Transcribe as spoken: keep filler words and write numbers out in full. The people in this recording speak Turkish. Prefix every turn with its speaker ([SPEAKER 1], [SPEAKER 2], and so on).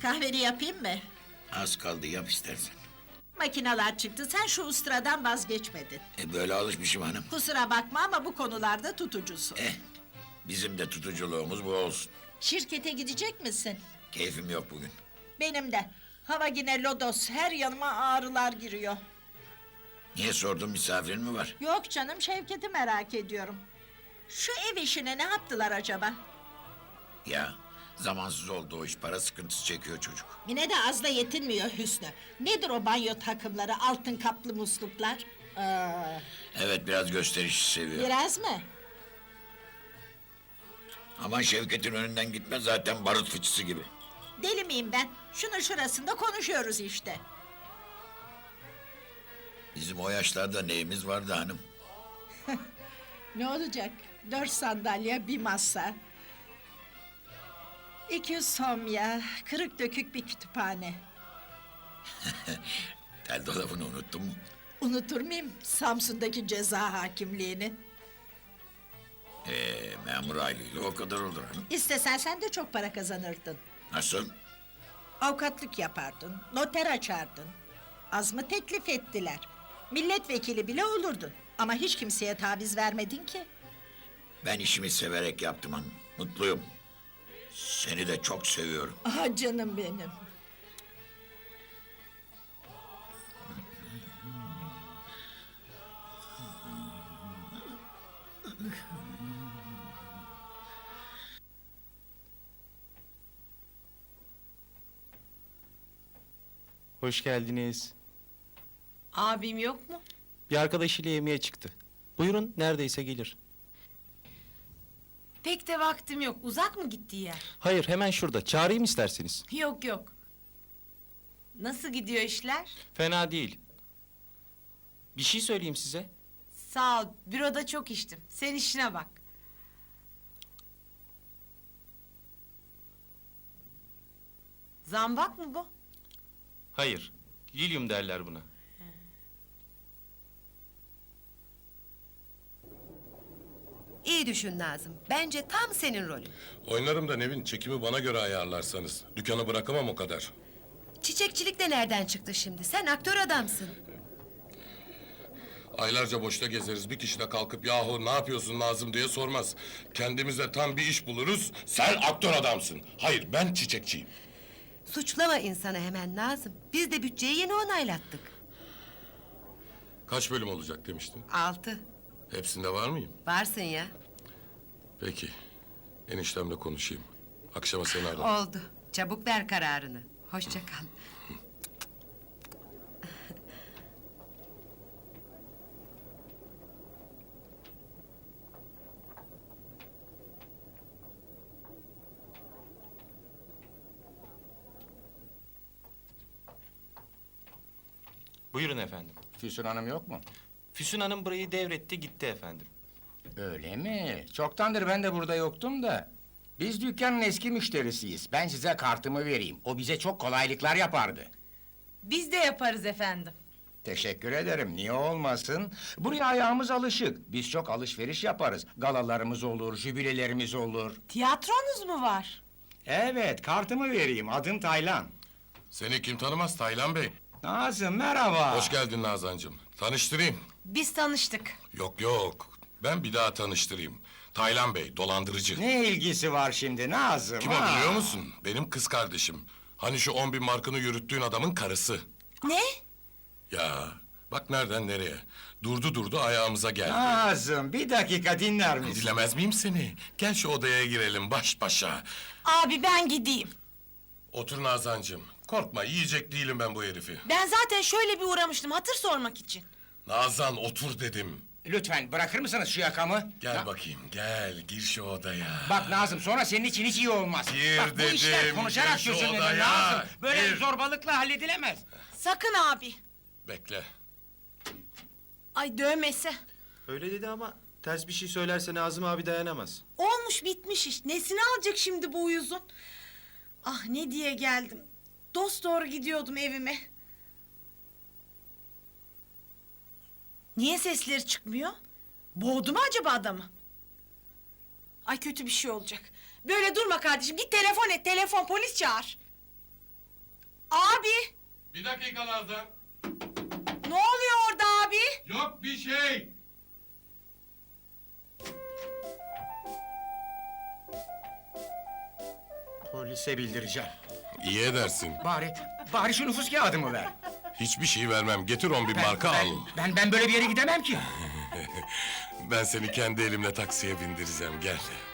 [SPEAKER 1] Kahveni yapayım mı?
[SPEAKER 2] Az kaldı, yap istersen.
[SPEAKER 1] Makineler çıktı, sen şu ustıradan vazgeçmedin.
[SPEAKER 2] E böyle alışmışım hanım.
[SPEAKER 1] Kusura bakma ama bu konularda tutucusun.
[SPEAKER 2] Eh, bizim de tutuculuğumuz bu olsun.
[SPEAKER 1] Şirkete gidecek misin?
[SPEAKER 2] Keyfim yok bugün.
[SPEAKER 1] Benim de. Hava yine lodos, her yanıma ağrılar giriyor.
[SPEAKER 2] Niye sordun, misafirin mi var?
[SPEAKER 1] Yok canım, Şevket'i merak ediyorum. Şu ev işine ne yaptılar acaba?
[SPEAKER 2] Ya, zamansız oldu o iş, para sıkıntısı çekiyor çocuk.
[SPEAKER 1] Yine de azla yetinmiyor Hüsnü. Nedir o banyo takımları, altın kaplı musluklar? Aa,
[SPEAKER 2] Evet, biraz gösterişi seviyor.
[SPEAKER 1] biraz mı?
[SPEAKER 2] Aman Şevket'in önünden gitme, zaten barut fıçısı gibi.
[SPEAKER 1] Deli miyim ben? Şunun şurasında konuşuyoruz işte.
[SPEAKER 2] Bizim o yaşlarda neyimiz vardı hanım?
[SPEAKER 1] Ne olacak? Dört sandalye, bir masa. İki somya, kırık dökük bir kütüphane.
[SPEAKER 2] Tel dolabını unuttun mu?
[SPEAKER 1] Unutur muyum Samsun'daki ceza hakimliğini?
[SPEAKER 2] Ee, memur aileyle o kadar olur hanım.
[SPEAKER 1] İstesen sen de çok para kazanırdın.
[SPEAKER 2] Nasıl?
[SPEAKER 1] Avukatlık yapardın, noter açardın. Az mı teklif ettiler? Milletvekili bile olurdun. Ama hiç kimseye taviz vermedin ki.
[SPEAKER 2] Ben işimi severek yaptım hanım, mutluyum. Seni de çok seviyorum.
[SPEAKER 1] Ah canım benim.
[SPEAKER 3] Hoş geldiniz.
[SPEAKER 4] Abim yok mu?
[SPEAKER 3] Bir arkadaşıyla yemeğe çıktı. Buyurun, neredeyse gelir.
[SPEAKER 4] Pek de vaktim yok. Uzak mı gittiği yer?
[SPEAKER 3] Hayır, hemen şurada. Çağırayım isterseniz.
[SPEAKER 4] Yok yok. Nasıl gidiyor işler?
[SPEAKER 3] Fena değil. Bir şey söyleyeyim size.
[SPEAKER 4] Sağ ol. Büroda çok içtim. Sen işine bak. Zambak mı bu?
[SPEAKER 3] Hayır, lilyum derler buna.
[SPEAKER 5] İyi düşün Nazım. Bence tam senin rolün.
[SPEAKER 6] Oynarım da Nevin, çekimi bana göre ayarlarsanız. Dükkanı bırakamam o kadar.
[SPEAKER 5] Çiçekçilik de nereden çıktı şimdi? Sen aktör adamsın.
[SPEAKER 6] Aylarca boşta gezeriz, bir kişi de kalkıp yahu ne yapıyorsun Nazım diye sormaz. Kendimize tam bir iş buluruz, sen aktör adamsın. Hayır, ben çiçekçiyim.
[SPEAKER 5] Suçlama insanı hemen Nazım. Biz de bütçeyi yeni onaylattık.
[SPEAKER 6] Kaç bölüm olacak demiştin?
[SPEAKER 5] Altı.
[SPEAKER 6] Hepsinde var mıyım?
[SPEAKER 5] Varsın ya.
[SPEAKER 6] Peki, eniştemle konuşayım. Akşama seni ararım.
[SPEAKER 5] Oldu. Çabuk ver kararını. Hoşça kal.
[SPEAKER 3] Buyurun efendim.
[SPEAKER 7] Füsun Hanım yok mu?
[SPEAKER 3] Füsun Hanım burayı devretti, gitti efendim.
[SPEAKER 7] Öyle mi? Çoktandır ben de burada yoktum da. Biz dükkanın eski müşterisiyiz. Ben size kartımı vereyim. O bize çok kolaylıklar yapardı.
[SPEAKER 4] Biz de yaparız efendim.
[SPEAKER 7] Teşekkür ederim. Niye olmasın? Buraya ayağımız alışık. Biz çok alışveriş yaparız. Galalarımız olur, jübilelerimiz olur.
[SPEAKER 4] Tiyatronuz mu var?
[SPEAKER 7] Evet, kartımı vereyim. Adım Taylan.
[SPEAKER 6] Seni kim tanımaz Taylan Bey?
[SPEAKER 7] Nazım, merhaba.
[SPEAKER 6] Hoş geldin Nazancığım. Tanıştırayım.
[SPEAKER 4] Biz tanıştık.
[SPEAKER 6] Yok yok, ben bir daha tanıştırayım. Taylan Bey, dolandırıcı.
[SPEAKER 7] Ne ilgisi var şimdi Nazım?
[SPEAKER 6] Kim o
[SPEAKER 7] ha?
[SPEAKER 6] biliyor musun? Benim kız kardeşim. Hani şu on bin markını yürüttüğün adamın karısı.
[SPEAKER 4] Ne?
[SPEAKER 6] Ya, bak nereden nereye. Durdu durdu ayağımıza geldi.
[SPEAKER 7] Nazım, bir dakika dinler misin?
[SPEAKER 6] Dilemez miyim seni? Gel şu odaya girelim baş başa.
[SPEAKER 4] Abi ben gideyim.
[SPEAKER 6] Otur Nazancığım. Korkma, yiyecek değilim ben bu herifi.
[SPEAKER 4] Ben zaten şöyle bir uğramıştım hatır sormak için.
[SPEAKER 6] Nazan otur dedim.
[SPEAKER 7] Lütfen bırakır mısınız şu yakamı?
[SPEAKER 6] Gel
[SPEAKER 7] Ya-
[SPEAKER 6] bakayım, gel. Gir şu odaya.
[SPEAKER 7] Bak Nazım, sonra senin için hiç iyi olmaz.
[SPEAKER 6] Gir
[SPEAKER 7] Bak bu işler
[SPEAKER 6] dedim,
[SPEAKER 7] konuşarak
[SPEAKER 6] gir şu
[SPEAKER 7] çözülür
[SPEAKER 6] odaya.
[SPEAKER 7] Nazım. Böyle
[SPEAKER 6] Gir.
[SPEAKER 7] zorbalıkla halledilemez.
[SPEAKER 4] Sakın abi.
[SPEAKER 6] Bekle.
[SPEAKER 4] Ay dövmese.
[SPEAKER 8] Öyle dedi ama ters bir şey söylerse Nazım abi dayanamaz.
[SPEAKER 4] Olmuş bitmiş iş. Nesini alacak şimdi bu uyuzun? Ah ne diye geldim. Dost doğru gidiyordum evime. Niye sesleri çıkmıyor? Boğdu mu acaba adamı? Ay kötü bir şey olacak. Böyle durma kardeşim. Git telefon et. Telefon polis çağır. Abi!
[SPEAKER 6] Bir dakika Nazan.
[SPEAKER 4] Ne oluyor orada abi?
[SPEAKER 6] Yok bir şey.
[SPEAKER 7] Polise bildireceğim.
[SPEAKER 6] İyi edersin.
[SPEAKER 7] Bari, bari şu nüfus kağıdımı ver.
[SPEAKER 6] Hiçbir şey vermem. Getir on bin
[SPEAKER 7] Ben-
[SPEAKER 6] marka
[SPEAKER 7] ben,
[SPEAKER 6] al.
[SPEAKER 7] Ben, ben böyle bir yere gidemem ki.
[SPEAKER 6] Ben seni kendi elimle taksiye bindireceğim. Gel.